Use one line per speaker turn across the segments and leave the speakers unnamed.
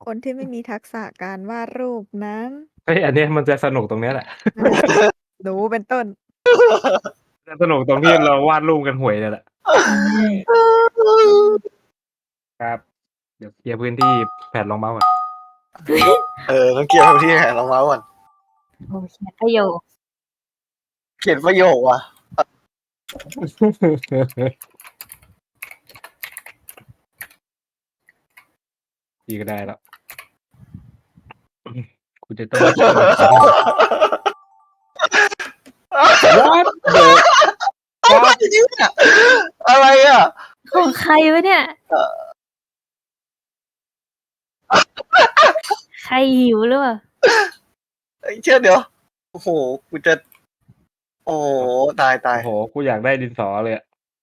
คนที่ไม่มีทักษะการวาดรูปนั้น
เฮ้ย อันเนี้ยมันจะสนุกตรงเนี้ยแหละ
หนูเป็นต้น
จะสนุกตรงที่เราวาดรูปกันห่วยเนี่ยแหละ
ใช่
ครับ เดี๋ยวเคลียร์พื้นที่แผ่นรองเมาส์ก่อน
ต้องเกี่ยวกับที่แหนลงมาก่อน
โอเคประโยค
เขียนประโยคว่ะ
ดีก็ได้แล้วคุณจะต้อง What the
อะไรอ่ะ
ของใครวะเนี่ย ใครหิวหรือเปล่า
เชื่อเดี๋ยว โอ้โห กูจะ โอ้โห ตาย
โอ้โห กูอยากได้ดินสอเลยอะ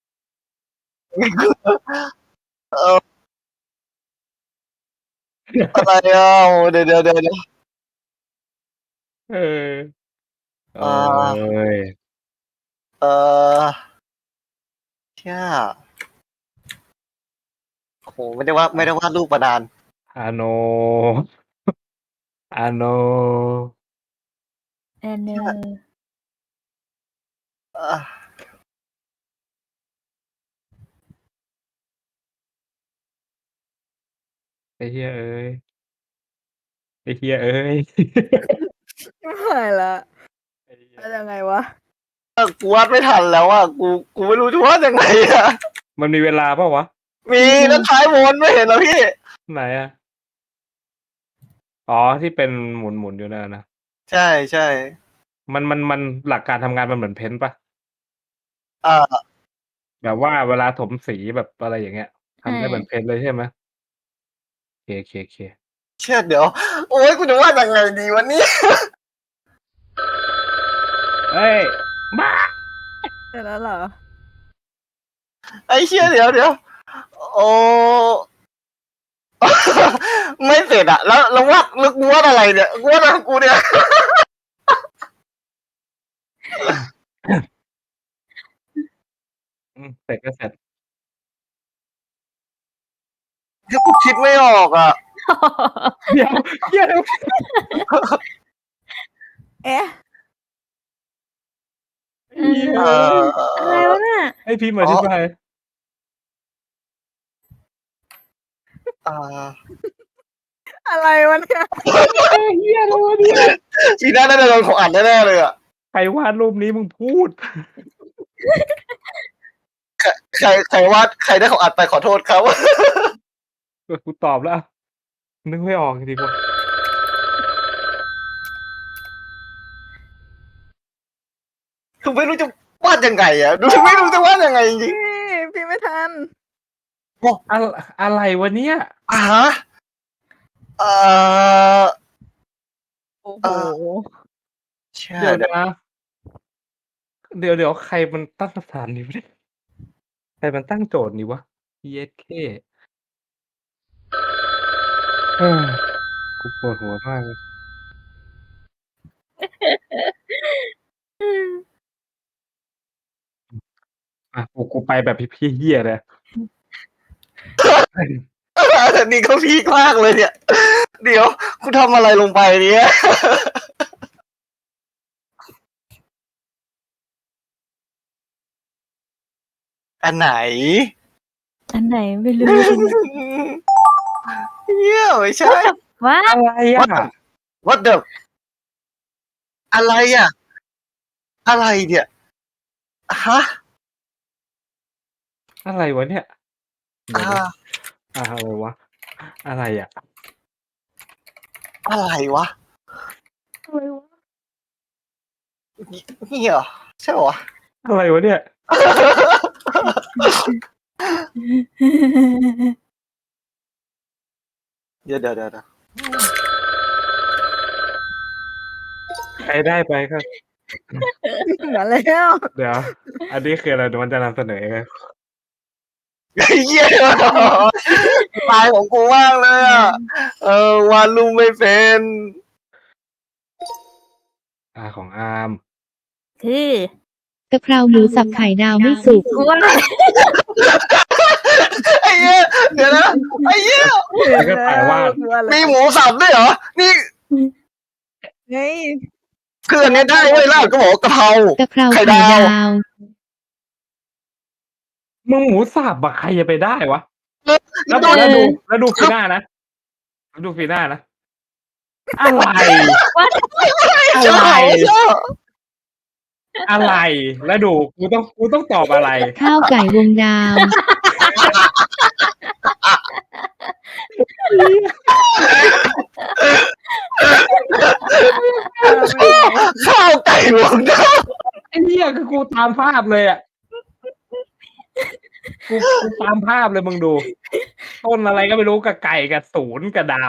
อะไรอ่ะโอ้เดี๋ยว
เออโอ้ย
เชื่อโอ้โห ไม่ได้วาดรูปประดาน
อาโน อาโน
แอนเนอร์
อ่ะ
ไอ้เหี้ยเอ้ย ไอ้เหี้ยเอ้ย
ไม่ละแล้วยังไงวะ
กูวาดไม่ทันแล้วอ่ะ กูไม่รู้จะวาดยังไงอ่ะ
มันมีเวลาเปล่าวะ
มีแล้วท้ายวนไม่เห็นเหรอพี่
ไหนอะอ๋อ ที่เป็นหมุนอยู่นั่นนะ
ใช่
มันหลักการทำงานมันเหมือนเพ้นท์ปะ
อ่า
แบบว่าเวลาถมสีแบบอะไรอย่างเงี้ยทำได้เหมือนเพ้นท์เลยใช่ไหมโอเค
เชื่อเดี๋ยว โอ้ยกูจะวาดยังไงดีวันนี้
เอ้ยบ้า
เสร็จแล้วเหรอ
ไอ้เชื่อเดี๋ยว โอ้ ไม่เสร็จอ่ะ แล้ววาดลึกวาดอะไรเนี่ย วาดอะไรของกูเนี่ย
เสร็จก็เสร็จ
เดี๋ยวกูคิดไม่ออกอ่ะ
เดี๋ยว
เอ๊ะ
อะไรวะเนี่ย
ให้พี่มาอธิบาย
อะไรวะเนี่ย
เฮียอะไรวะเนี่ย
ปีหน้าน่าจะโดนของอ่านแน่ๆเลยอ่ะ
ใครวาดรูปนี้มึงพูด
ใครวาดใครได้ของอ่านไปขอโทษครับ
กูตอบแล้ว นึกไม่ออกจริงๆว่ะ
คือไม่รู้จะวาดยังไงอ่ะ ไม่รู้จะวาดยังไงจริง
พี่ไม่ทัน
อะไรวะเนี่ย
ๆฮะ
โอ้โห
เชื่อ
เดี๋ยว
เดี๋ยว
นะ เดี๋ยวใครมันตั้งคำถามนี้วะเนี่ยใครมันตั้งโจทย์นี้วะ ESK กูปวดหัวมากเลยกูไปแบบพี่เหี้ยเลย
นี่ก็พีคมากเลยเนี่ย เดี๋ยวคุณทำอะไรลงไปเนี่ย อันไหน
อันไหนไม่รู้
เนี่ยไม่ใช่
ว่า
อะไรอ่ะ
What the อะไรอ่ะ อะไรเนี่ย ฮะ
อะไรวะเนี่ยเดี๋ยว
อ่า
นะอะไรวะ อะไรอ่ะ
อะไรวะ
อะไรวะ
นี่เหรอใช่เหรอ
อะไรวะเนี่ย
เดี๋ยว
ใครได้ไปครับ
มาแล้ว
เดี๋ยว อันนี้คืออะไรเดี๋ยวมันจะนำเสนอไง
เยี่ยตายของกูมากเลยอ่ะ วาดรูปไม่เป็น
ของอาร์ม
คือก
ะเพราหมูสับไข่ดาวไม่สุก
กูว่า
ไอ้เหี้ยเดี๋ยวนะไอ้เหี้ย
แล้วก็ถ่ายวาด
มีหมูสับด้วยเหรอนี่
ไง
คืออันเนี้ยได้เว้ยลาบก็บอกว่ากะเพราก
ะเพรา
ไข่
ไข่
ดาว
ดาว
มึงหมูสับอะใครจะไปได้วะ แล้ว
โดน
ดูฟีหน้านะแล้วดูฟีหน้านะอะไร
ชอบชอบ
อะไร แล้วดูกูต้องตอบอะไร
ข้าวไก่วงดาว
ข้าวไก่วงดาว
ไอ้เหี้ยคือกูตามภาพเลยอ่ะกูตามภาพเลยมึงดู ต้นอะไรก็ไม่รู้กับไก่กับศูนย์กับดาว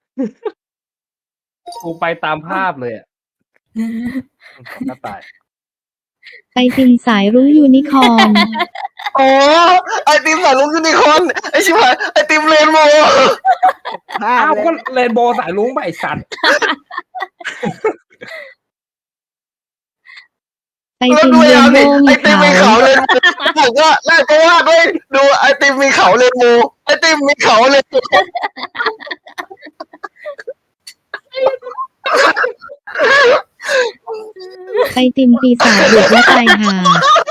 กูไปตามภาพเลยอ่ะก็ตาย
ไอติมสายรุ้งยูนิคอร์น
อ๋อไอติมสายลุงยูนิคอร์นไอชิบหายไอติมเรนโบว์
ภาพ
อ้าว
เลย
ก็เรนโบว์สายลุงไปไอ้สัตว์
ไอ
แล้ว
ติม
ดู
เร
ยั
น
ง
โบ
ดิ
ว์
ไอ
มี
ติม
เขา
มีเขาเลยบอกว่าแรกก็วาดด้วยดูไอติมมีเขาเรนโบว์ไอติมมีเขาเลย
ไอติมปีศาจบุกและตายห่า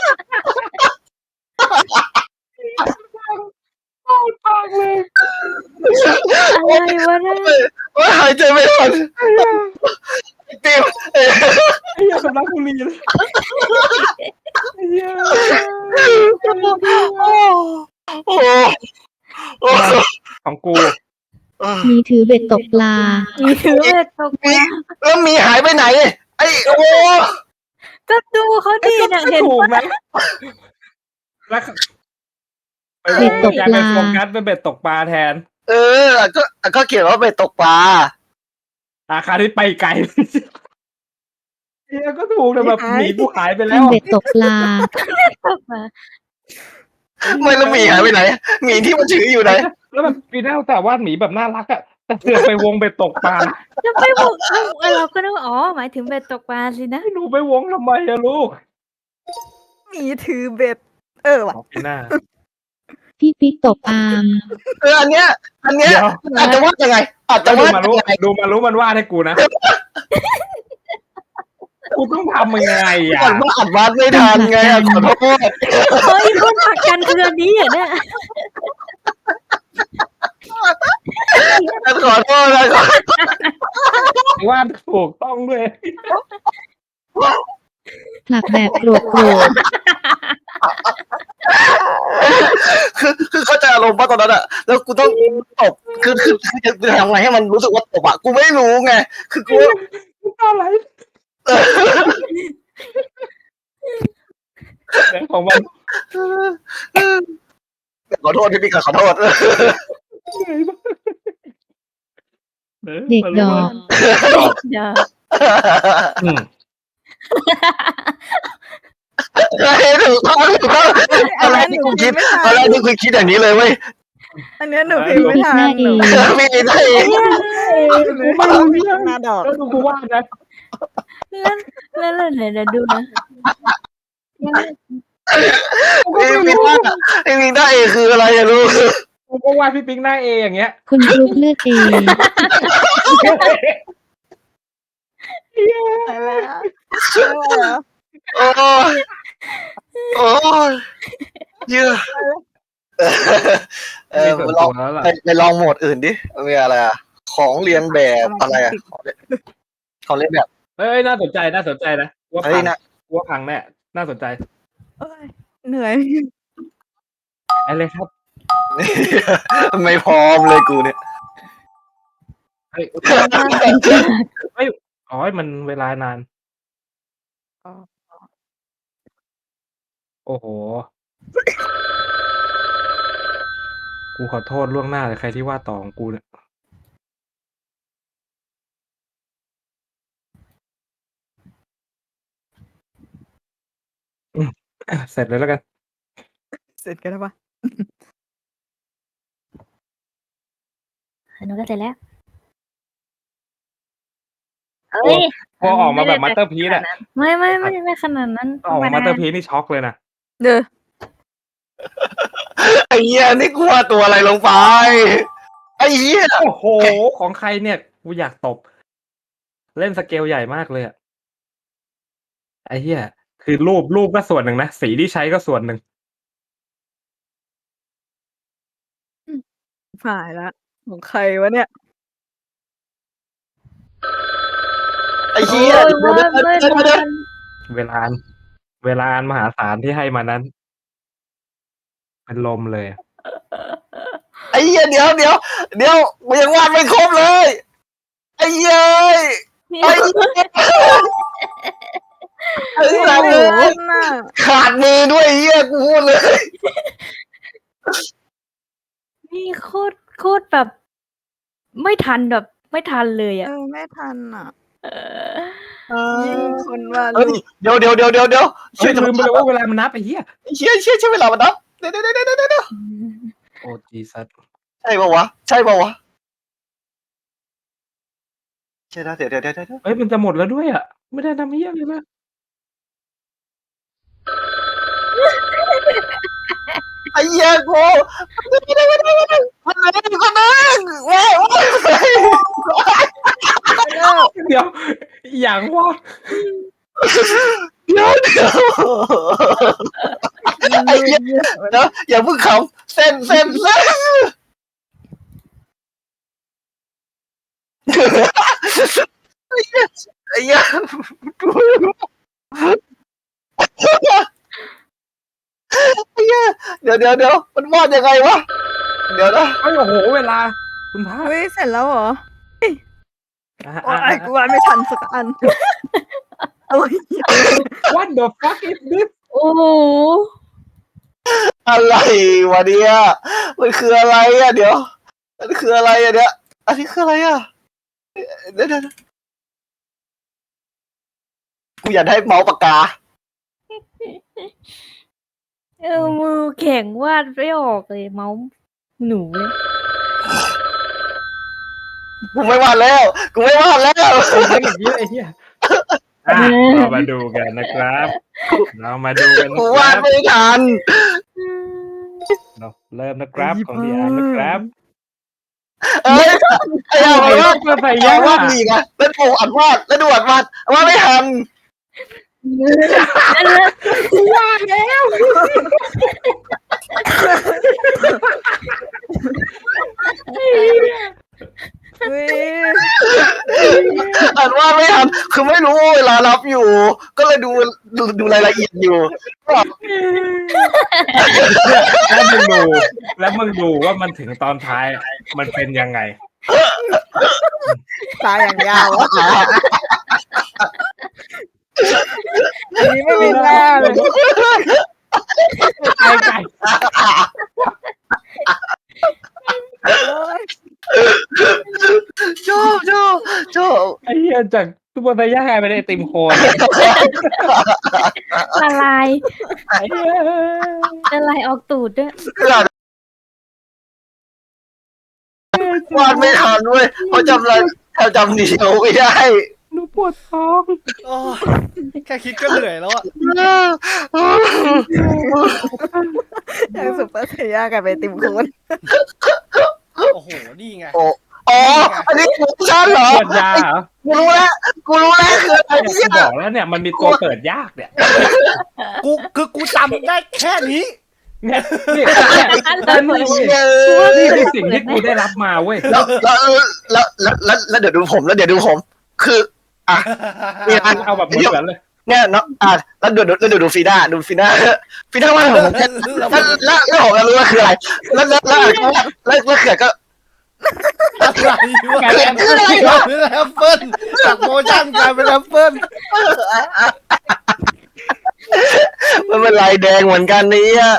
ปากเลย
อะไรวะเนี่ย
ว่าหายใจไม่ทันไอติม
ไอ้เหี้ยสำลักบุหรี่เลยไอ้เหี้ย
โอ้โอ้
ของกู
มีถือเบ็ดตกปลา
มีถือเบ็ดตกปลา
แล้วมีหายไปไหนไอโอ้
ก็ดูเขาดีนะเห็น
ถูก
ปะ
นะแล้ว
เบ็ดตกปลา
ไปโฟกัสเป็นเบ็ดตกปลาแทน
ก็เขียนว่าไปตกปลา
ราคาที่ไปไกลเฮียก็ถูกแต่แบบหนีกูหายไป
เป็
แล้
น
ว
เบ็ดตกปลา
ตกมา
ไม่แล้วหมีหายไปไหนหมีที่มันถืออยู่ไหน
แล้วแบบปีหน้าแต่ว่าหมีแบบน่ารักอะแต่เสือกไปวงเบ็ดตกปลา
จะไปบอกเราก็นึกว่าอ๋อหมายถึงเบ็ดตกปลาสินะ
ให้หนูไปวงทำไมอะลูก
มีถือเบ็ดว่ะ
ปีหน้า
พี่ปิ๊กตกอาม
อันเนี้ย
เดี๋ยว
อาจจะวาดยังไงอาจจะ
แล้ว
วาด
รู้
ยังไง
ดูมารู้มันวาดให้กูนะกูต้องทำยังไงอะ
ก่อนว่าอัดวาดไม่ทันไงขอโทษ
เฮ้ยคนผลักกันคืออันนี้เหรอเนี่ย
ขอโทษนะ
วาดถูกต้องด้วย
ผลักแบบโกรธโกรธ
คือเข้าใจอารมณ์ป่ะตอนนั้นอะแล้วกูต้องตบคือจะทำไงให้มันรู้สึกว่าตบอะกูไม่รู้ไงคือกู
อะไรแต่ของมัน
ขอโทษพี่ขอโทษ
เด็กดอก
เดี๋ยว
อืม
ถูกต้องอะไรที่กูคิดอะไรที่กูคิดอย่างนี้เลยเว้ย
อันนี้หนูพิมพ์ไม่ทันหนู
มีได้เอง
กูไม่รู้เรื่อง
หน้าดอก
แล้วดูกูวาดนะ
แล้วเดี๋ยวดูนะ
มีได้เองคืออะไรอะลูก
กูก็วาดพี่ปิ๊งหน้าเออย่างเงี้ย
คุณกรุ๊ปเลือดเอ
โอ้ยโอ้ยเยอะ
มีส่วน
ล
ตั
อง
วแล้วล่ะ
ไปลองโหมดอื่นดิมีอะไรอะของเรียนแบบอะไรอะของเรียนแบบ
เฮ้ยน่าสนใจนะว่า
เฮ้
พั
ย
ง
นะ
ว่าพังแน่น่าสนใจ
เหนื่อย
อะไรครับ
ไม่พร้อมเลยกูเนี่ย
เฮ้ยอ๋อมันเวลานาน
อ๋อ
โอ้โห กูขอโทษล่วงหน้าเลยใครที่ว่าต่อของกูเนี่ยเสร็จเลยแล้วกัน
เสร็จกันแล้วปะ
หนูก็เสร็จแล้ว
เฮ้ย
พอออกมาแบบมาสเตอร์พีซอะ
ไม่ขนาดนั้น
ออกมามาสเตอร์พีซนี่ช็อกเลยนะ
เด้อ
ไอ้เหี้ยนี่กูว่าตัวอะไรลงไปไอ้เหี้ย
โอ้โหของใครเนี่ยกูอยากตบ เล่นสเกลใหญ่มากเลยอะไอ้เหี้ยคือรูปก็ส่วนหนึ่งนะสีที่ใช้ก็ส่วนหนึ่ง
หายละของใครวะเนี่ย
ไอ้เหี้ย
โอ้ยว่าไม่ทัน
เวลาอันมหาศาลที่ให้มานั้น เป็นลมเลยอะ
ไอ้เหี้ยเดี๋ยวกูยังวาดไม่ครบเลยไอ้เหี้ยไอ้เหี้ยไอ้เหี้ย
โอ้โหน่ะ
ขาดมือด้วยไอ้เหี้ยกูพูดเลย
นี่โคตรแบบ ไม่ทันเลย
เอ
อ่ะ
อไม่ทันอ่ะ
เออ
ยิ่งคนว่า
เฮ้ยเดี๋ยว
เฮ้ยลืมไปเลยว่า
เ
เวลามันนับไอ้เหี้ย
เชี่ยเวลามันนับเดี๋ยว
โอ้จีซัส
ใช่ป่าวะใช่นะเดี๋ยว
เฮ้ยมันจะหมดแล้วด้วยอ่ะไม่ได้ทำเหี้ยเลยนะ
ไอ้เหี้ยกูคนนึงว้าว
เดี๋ยวอย่างว่า
เดี๋ยวไอ้เหี้ยนะอย่าเพิ่งขำเส้นไอ้เหี้ยเดี๋ยวมันวาดยังไงวะเดี๋ยวนะ
เฮ้ยโอ้โหเวลาคุณพระ
เฮ้ยเสร็จแล้วเหรอ
อ่ะ
โอ้ยกูว่าไม่ทันสักอันโอ้ย
What the fuck is this
โอ้โห
อะไรวะเนี่ยมันคืออะไรอ่ะเดี๋ยวมันคืออะไรอ่ะเนี่ยอันนี้คืออะไรอ่ะเดี๋ยวกูอยากได้เมาส์ปากกา
มือแข็งวาดไม่ออกเลยเมาส์หนูเลย
กูไม่วาดแล้ว
ไอ้เหี้ยไอ้เหี้ยเรามาดูกันนะครับ
กูวาดไม่ทัน
เราเริ่มนะครับของดีอาร์นะครับ
เอ้ยไอ้เอา
ไอ้
วาด
เพื่อใส่
ไอ้
ยา
เอาวาดดีนะแล้วดูอัดวาดวาดไม่ทัน
เฮ้ย
อัดวาดไม่ทันคือไม่รู้เวลารับอยู่ ก็เลยดูรายละเอียดอยู่
แล้วมึงดูว่ามันถึงตอนท้ายมันเป็นยังไง
ตายอย่างยาวอะอันนี้ไม่มีหน้าเลย
ไก่
โอ้ย
ชอบ
ไอ้เหี้ยจากซุปเปอร์ไซย่ากลายเป็นไอติมโคน
ละลาย
ไอ้เหี้ย
ละลายออกตูดด้วย
วาดไม่ทันเว้ยเพราะจำเดียวไม่ได้
หนูปวดท้อง
โอ้ยแค่คิดก็เหนื่อยแล้วอ่ะ
อย่างสุปเปอร์เซียกับไอติมโคน
โอ้โห นี่ไง
อ๋ออันนี้กูชันเหรอ
ปวดยาเหรอ
กูรู้แล้วคืออะไร
กู
เนี่ย
บอกแล้วเนี่ยมันมีตัวเปิดยากเนี่ย
กูจำได้แค่นี้
เนี่ยนี่
เ
นี่คือสิ่งที่กูได้รับมาเว้ย
แล้วเดี๋ยวดูผม คืออ่ะเนี่ย
เอาแบบเหมือนเลย
เนี่ยเนาะแล้วดูฟีด้าว่าผมแล้วผมจะรู้ว่าคืออะไรแล้วเขื่อนก็
อะไรวะ
กลายเป็น
แอปเปิ้ลจากโมชั่นกลายเป็นแอปเปิ้ล
มันเป็นลายแดงเหมือนกันนี่อ่ะ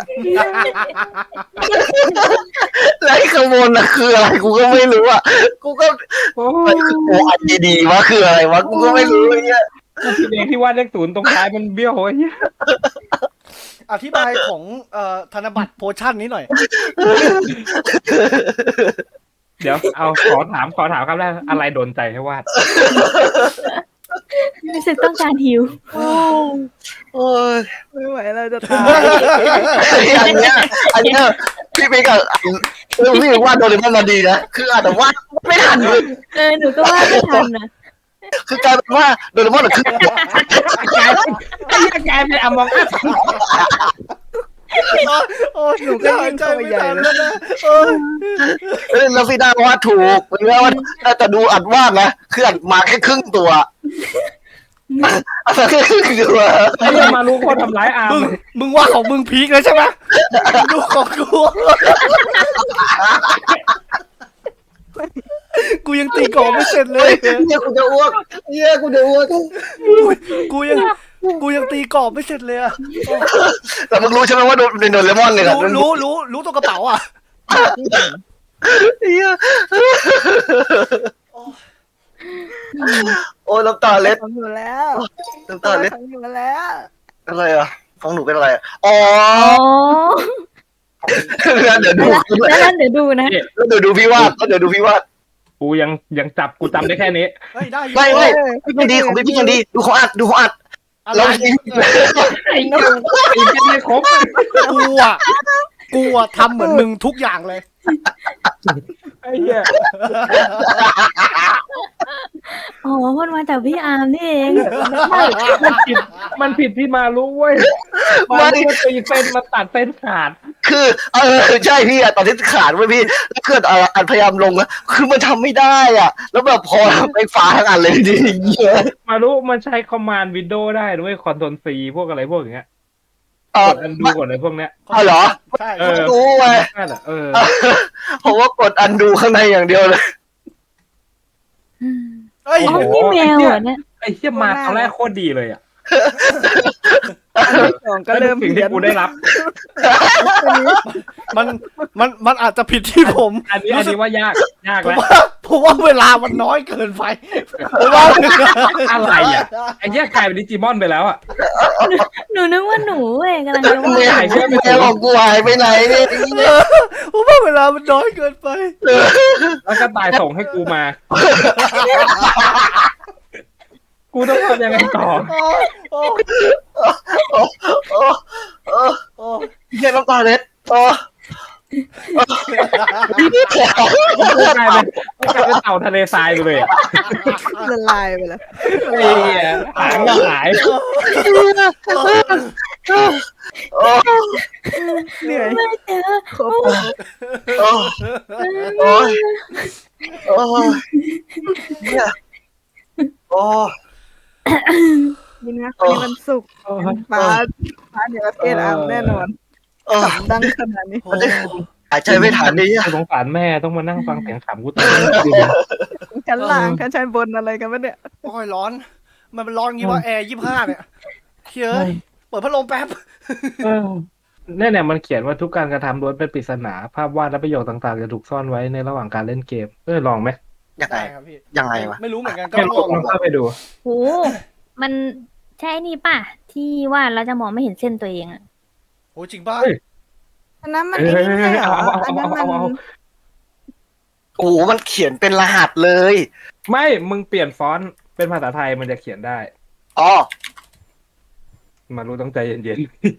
แล้วไอ้ข้างบนน่ะคืออะไรกูก็ไม่รู้อ่ะกูก็
โอ้
โอ้อันดีวะคืออะไรวะกูก็ไม่รู้ไอ้เนี่ย
ที่เด็กที่วาดเลขศูนย์ตรงท้ายมันเบี้ยวโหย
อธิบายของธนบัตรโพชั่นนี้หน่อย
เดี๋ยวเอาขอถามครับแรกอะไรโดนใจให้วาด
รู้สึกต้องการหิว
โอ้ย
ไม่ไหวเราจะตาย
อันเนี้ยพี่ปิ๊กอะพี่ว่าโดเรมอนมาดีนะคืออาจจะวาดไม่ทันเลย
หนูก็ว่าไม่ทันนะ
คือกลายเป็นว่าโดเรมอนอะคือ
ไอ้เหี้ยกลายเป็นอมองอัส
โอ้หนูก็หายใจไม่ทันแล้วนะ
แล้วพี่ได้วาดถูกเป็นว่าแต่ดูอัดวาดนะคืออัดมาแค่ครึ่งตัวอัดมาแค่ครึ่งตัว
ไอ้เหี้ยมารู้คนทำร้ายอาร์ม
มึงว่าของมึงพีคเลยใช่ไหมดูของกูยังตีกรอบไม่เสร็จเลย
เนี่ยกูจะอ้วกเนี่ยกูจะอ้วก
กูยังตีกรอบไม่เสร็จเลยอะ
แต่มึงรู้ใช่ไหมว่าโดเรมอนเนี่ย
รู้ตัวกระเป๋าอ่ะ
เนี่ยโอ้ยน้ำตาเล็ด
ทำอยู่แล้ว
น้ำตาเล็ด
ทำอยู่แล้ว
อะไรอ่ะของหนูเป็นอะไรอ๋อ
อ๋อ
เดี๋ยวดู
แล้วเดี๋ยวดูนะ
แล้วเดี๋ยวดูพี่วาดแล้วเดี๋ยวดูพี่วาด
กูยังกูจำได้แค่นี้
เฮ้ยได้อยู่
ไม่พี่ยังดีของพี่ยังดีดูของอัด
อะไร
แล้ว
ไอ้เหี้ยไอ้เหี้ยไม่ครบ
กูอะทำเหมือนมึงทุกอย่างเลย
ไอ้เหี้ย
อ๋อมันมาจากพี่อาร์มนี่เอง
มันผิดที่มารู้เว้ยมันตีเส้นมาตัดเส้นขาด
คือใช่พี่อะตอนที่ขาดไว้พี่แล้วเกิดอัดพยายามลงอะคือมันทำไม่ได้อ่ะแล้วแบบพอไปฟ้าทั้งอันเลยดีเยอะ
มารู้มันใช้คอมมานด์วินโดว์ได้ด้วยคอนโทรลซีพวกอะไรพวกอย่างเงี้ยกดอันดูกดอะไรพวกเนี้ย
เหรอ
ใช่
ดูไง
นั่นแหละ
ผมว่ากดอันดูข้างในอย่างเดียวเลย
เอ้ย
อ๋อนี่แมวเหรอเนี่ย
ไอ้เหี้ยมาตอนแรกโคตรดีเลยอ่ะ
อันที่สองก็เริ่ม
สิ่ง
เพี้
ที่
ยน
กูได้รับ
มันอาจจะผิดที่ผม
อันนี้ว่ายากแล้ว
ผมว่าเวลามันน้อยเกินไปผมว่า
อะไรอ่ะไอ้เหี้ยกลายเป็นดิจิมอนไปแล้วอ่ะ
หนูนึกว่าหนูเองกำลังจะว่า
แม่ของกูหายไปไหนเนี่ย
ผมว่าเวลามันน้อยเกินไป
แล้วก็ตายส่งให้กูมา กูต้องทำยังไงต่อ
เฮียน้ำตาเล็ด
กลายเป็นเต่าทะเลทรายไปเลยอ่ะ
ละลายไปแล้ว
ไอ้เหี้ยหางก็หาย
เหนื่อย
ไม่เจอ
ครบ
โอ้ยเนี่ยโอ้
ยินนะวันนี้วันศุกร์ฟ้าเดี๋ยวประเทศอาร์มแน่นอนขำดังขนาดนี้
หายใจไม่ทันเลยอ่ะ
สงสารแม่ต้องมานั่งฟังเสียงขำกูตาย
ชั้นล่างชั้นบนอะไรกันวะเนี่ย
โอ้ยร้อน มันร้อนงี้ว่าแอร์25เนี่ยเฮ้ยเปิดพัดลมแป๊บ
เนี่ยมันเขียนว่าทุกการกระทำล้วนเป็นปริศนาภาพวาดและประโยคต่างๆจะถูกซ่อนไว้ในระหว่างการเล่นเกมลองไหม
ยังไง
ได้ครับพี่
ยังไงวะ
ไม่รู้เหมือนกันก็
แค่
ล
ล
อง
องเข้าไปดู
โหมันใช่นี่ป่ะ ที่ว่าเราจะมองไม่เห็นเส้นตัวเองอะ
โหจริงป่ะ
อันนั้นมันไอ้นี่ไม่ใช่เหรออันนั้นมัน
โอ้โหมันเขียนเป็นรหัสเลย
ไม่มึงเปลี่ยนฟอนต์เป็นภาษาไทยมันจะเขียนได้
อ๋อ
มารู้ต้องใจเย็น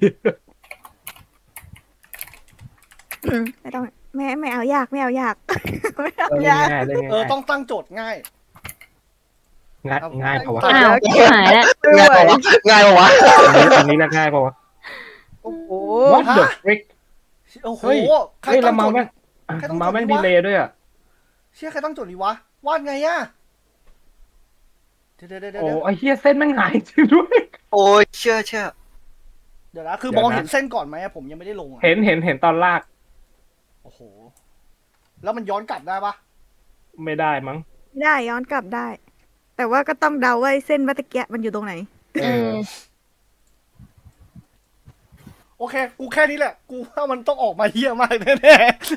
ไม่ต้องไม่เอายากไม่เอายากไม่เอา
ๆเล่น
ยาก
ง่ายเล่น
เออ
ง่าย
ต้องตั้งโจทย์ง่าย
ง่ายเปล่าวะ
อ้าวชิบหายแล้ว
ไม่ไหว
ง่ายปะวะ
อันนี้น่าง่ายเปล่าวะ
โอ้โห
What the frick
โอ้โห
เฮ้ย
ใคร
เฮ้ย
ตั้
ละ
งโจ
เมา
ทย์
แม่ง
ใครต้อง
เมาแม่ง
จดดี
ดี
วะ
เลยด้วยอ่ะ
เชี่ยใครตั้งโจทย์ดีวะวาดไงอะเดี๋ยว
โอ้ไอ้เหี้ยเส้นแม่งหายจริงด้วย
โอ้ยเชื่อ
เดี๋ยวนะคือมองเห็นเส้นก่อนไหมอะผมยังไม่ได้ลงอะ
เห็นตอนลาก
โอ้โหแล้วมันย้อนกลับได้ปะ
ไม่ได้มั้ง
ได้ย้อนกลับได้ แต่ว่าก็ต้องเดาว่าเส้นวัตะเกียมันอยู่ตรงไหน
เออ
โอเค กูแค่นี้แหละ กูว่ามันต้องออกมาเหี้ยมากแน่ๆ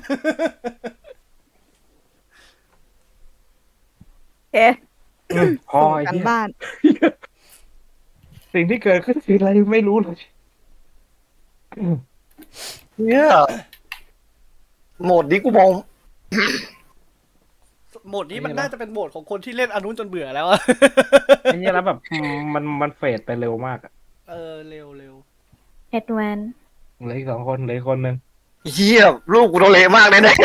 เอ๊ะ
พอ
ส่ง
ไอ้
กัน
เหี้ย
บ้าน
สิ่งที่เกิดขึ้นคืออะไรไม่รู้เลย
เนี่ยโหมดนี้กูมอง
โหมดนี้มันน่าจะเป็นโหมดของคนที่เล่นอันนู้นจนเบื่อแล้วอะ
ไอ้เหี้ยแล้วแบบมันเฟดไปเร็วมากอะ
เออเร็ว
แอดวาน
เหลืออีก2 คนเหลืออีกคนนึง
เฮียลูกกูโดนเละมากแน่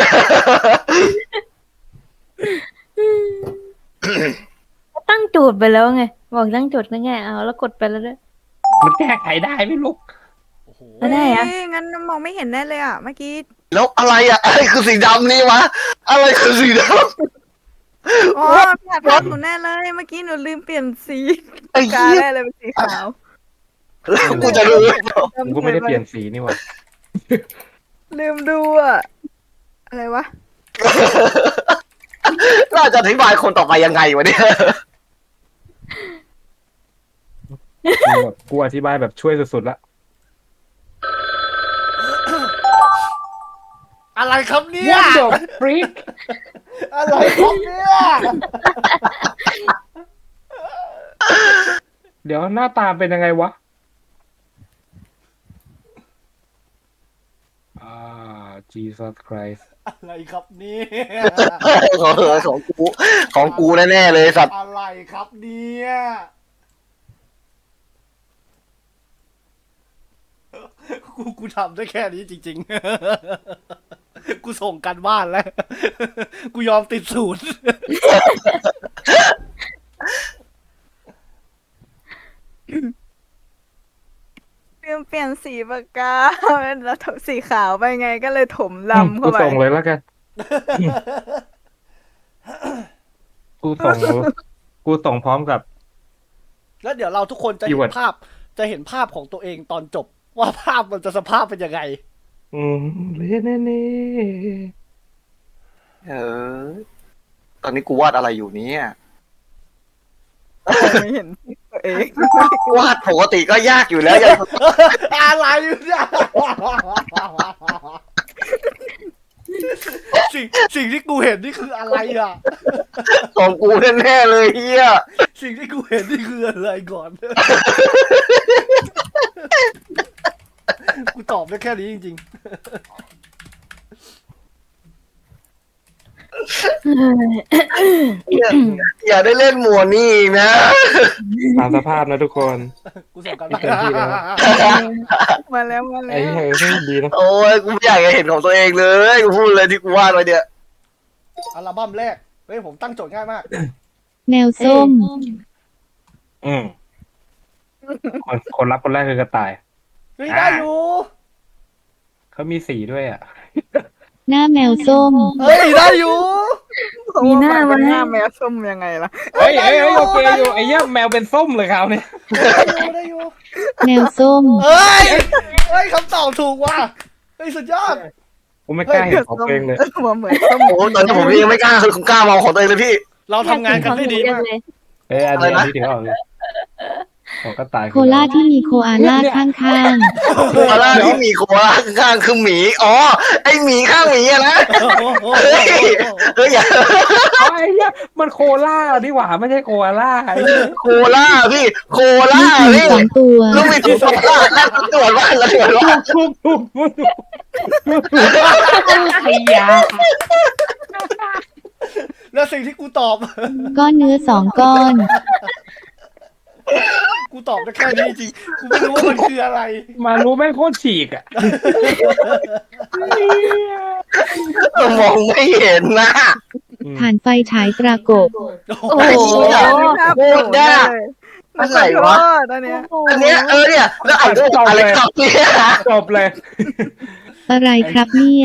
ตั้งโจทย์ไปแล้วไงบอกตั้งโจทย์ง่ายๆเอาแล้วกดไปแล้วด้วย
มันแก้ไขได้ไหมลูก
โอ้โห
ไม่ได้อะ
เฮ้ยงั้นมองไม่เห็นแน่เลยอ่ะเมื่อกี้
ๆแล้วอะไรอะอะไรคือสีดำนี่วะอะไรคือสีด
อ๋อพี่อาจทำหนูแน่เลยเมื่อกี้หนูลืมเปลี่ยนสี
ำไอ้
กา
เหี้ย
แน่เลยเป็นสีขาว
แล้วกูจะรู้
กูก็ไม่ได้เปลี่ยนสีนี่หว่า
ลืมดูอ่ะอะไรวะ
น่าจะอธิบายคนต่อไปยังไงวะเนี่ย
กูอธิบายแบบช่วยสุดๆละ
อะไรครับเนี่ย
What the freak
อะไรครับเนี่ย
เดี๋ยวหน้าตาเป็นยังไงวะJesus Christ
อะไรครับเนี่ย
ของกูแน่ๆเลยสัตว์
อะไรครับเนี่ยกูทำได้แค่นี้จริงๆ กูส่งกันบ้านแล้ว กูยอมติดศูนย์
ลืมเปลี่ยนสีปากกาแล้วถมสีขาวไปไงก็เลยถมลำ
กู
เข้าไป
ส่งเลยแล้วกัน กูส่งพร้อมกับ
แล้วเดี๋ยวเราทุกคนจะเห็น
Keyword
ภาพ จะเห็นภาพของตัวเองตอนจบ ว่าภาพมันจะสภาพเป็นยังไง
เล่นแน่
ตอนนี้กูวาดอะไรอยู่เนี่ย
ไม่เห็นตัวเอง
วาดปกติก็ยากอยู่แล้วยัง
อะไรเนี่ย สิ่งที่กูเห็นนี่คืออะไรอ่ะ
ของกูแน่ๆเลยเฮีย
สิ่งที่กูเห็นนี่คืออะไรก่อน กูตอบได้แค่นี้จริง
อย่าได้เล่นหมวดนี่อีกนะ
ๆตามสภาพนะทุกคน
ๆ กูส่งกัน
ไม่เต็มที่แล้ว
มาแล้วมาแล้
ไอ้
ว
เหี้ยดีนะ
โอ้ยกูไม่อยากจะเห็นของตัวเองเลยกูพูดเลยที่กูวาดไว้เนี่ย
อัลบั้มแรก เฮ้ยผมตั้งโจทย์ง่ายมาก
แมวส้ม
คนรับคนแรกคือกระต่าย
เฮ้ยได้อยู่
เขามีสีด้วยอ่ะ
หน้าแมวส้ม
เฮ้ยได้อยู่
มีหน้า
มัน
ไหม
หน้าแมวส้มยังไงล่ะ
เฮ้ยโอเคอยู่ไอ้เหี้ยแมวเป็นส้มเลยคราวนี้
ได้อยู่
แมวส้ม
เฮ้ยเฮ้ยคำตอบถูกว่ะเฮ้ยสุดยอด
กูไม่กล้าเห็นของตัวเองเลย
หัวเหมือนส้ม
โอ้ตอนนี้ผมยังไม่กล้าคือผมกล้ามองของตัวเองเลยพี่
เราทำงานกันได้ดีมาก
เลย
อันนี้ถือออกเลยของกระต่าย
โคล่าที่มีโคอาล่าข้าง
โคอาล่าที่มีโคอาล่าข้างๆคือหมีอ๋อไอหมีข้างหมีอะนะเฮ้ยอย่า
ไอ้เหี้ยมันโคล่าดีกว่าไม่ใช่โคอาล่าไอ้เหี้ย
โคล่าพี่โค
ๆ
ล่า
ลูกหมี
พี่
สองตัว
ลูกมีตัวโคล่าแล้วตรวจว่าแล้วตรวจว่า
ถูกไอ้ยา
แล้วสิ่งที่กูตอบ
ก้อนเนื้อ2 ก้อน
กูตอบได้แค่นี้จริงกูไม่รู้ว่ามันคืออะไร
มารู้แม่งโคตรฉีกอ่ะ
มองไม่เห็นนะ
ผ่านไฟฉายตรากบ
โอ้โห
ไอ้เหี้ยโคตรยาก อะไรวะ
ตอนเนี้ย
อันเนี้ยเนี่ยแล้วอ่านด้วยอะไรครับเนี่ย
จบเลย
อะไรครับเนี่ย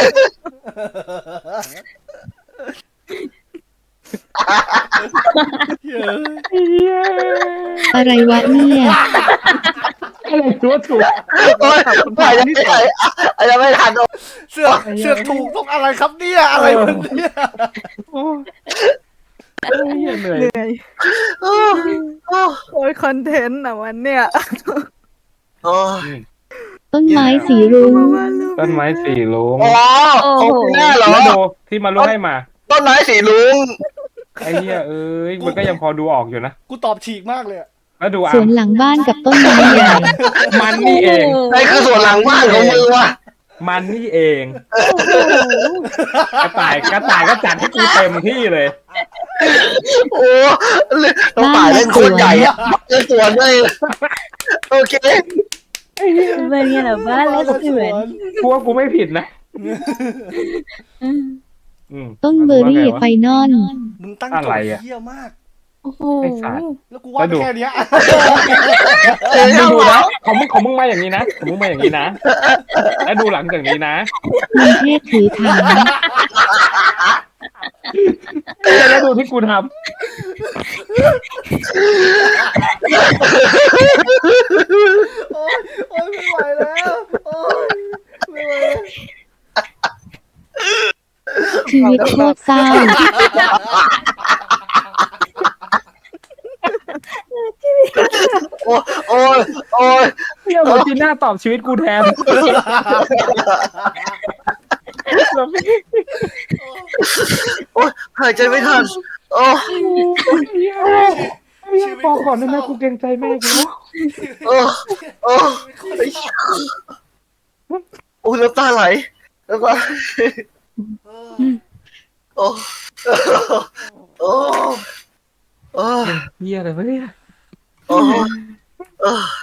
เฮ้ย
อะไรวะเนี่ย
อะไรตัวถูก
โอ้ยยังไม่ทัน
เสือกถูกต้องอะไรครับเนี่ยอะไรมันเนี่ย
โอ้ยเหนื่อย
เหนื่อยโอ้ยคอนเทนต์อ่ะวันเนี้ย
ต้นไม้สีรุ้ง
ต้นไม้สีลุง
อ๋อของคุณแม่เหรอ
แล้วดูที่มารู้ให้มา
ต้นไม้สีลุง
ไอ้เหี้ยมันก็ยังพอดูออกอยู่นะ
กูตอบฉีกมากเลยอะ
แล้วดู
สวนหลังบ้านกับต้นไม้ใหญ่
มันนี่เอง
นี่คือส่วนหลังบ้านของมึงวะ
มันนี่เอง กระต่ายก็จัดให้กูเต็มที่เลย
โอ้ต้องป่าเล่นโคตรใหญ่อะเล่นสวนด้วยโอเค
เป็นไงล่ะบ้านและสวน
กูว่ากูไม่ผิดนะ
อืม
ต้นเบอร์รี่ไฟนอล
มึงตั้ง
อะ
โจ
ไร
ทย์
อะ
เหี้ยมาก
โอ้โห
ไอ้สัตว์
แล้วกูว่าแค่เนี้ย
มึงดูนะของมึงมาอย่างนี้นะของมึงมาอย่างนี้นะ แล้วดูหลังจากนี้นะ
มันเทพถือถัง
แล้วดูที่กูท
โอ๊ยโอ๊ยไม่ไหวแล้วโอ๊ยไม่ไหวแล้ว
ชีวิตโคตรเศร้า
โอ้ยโอ้ย
ำเนี่ยโมจิน่าตอบชีวิตกูแทน
โอ้ยหายใจไม่ทันโอ้
พอก่อนได้ไหมกูเกรงใจแม่กู
โอ้โอ้โอ้ยน้ำตาไหลน้ำตาโอ้โอ้โอ้
เฮียอะไรวะเนี่ย
โอ้โอ้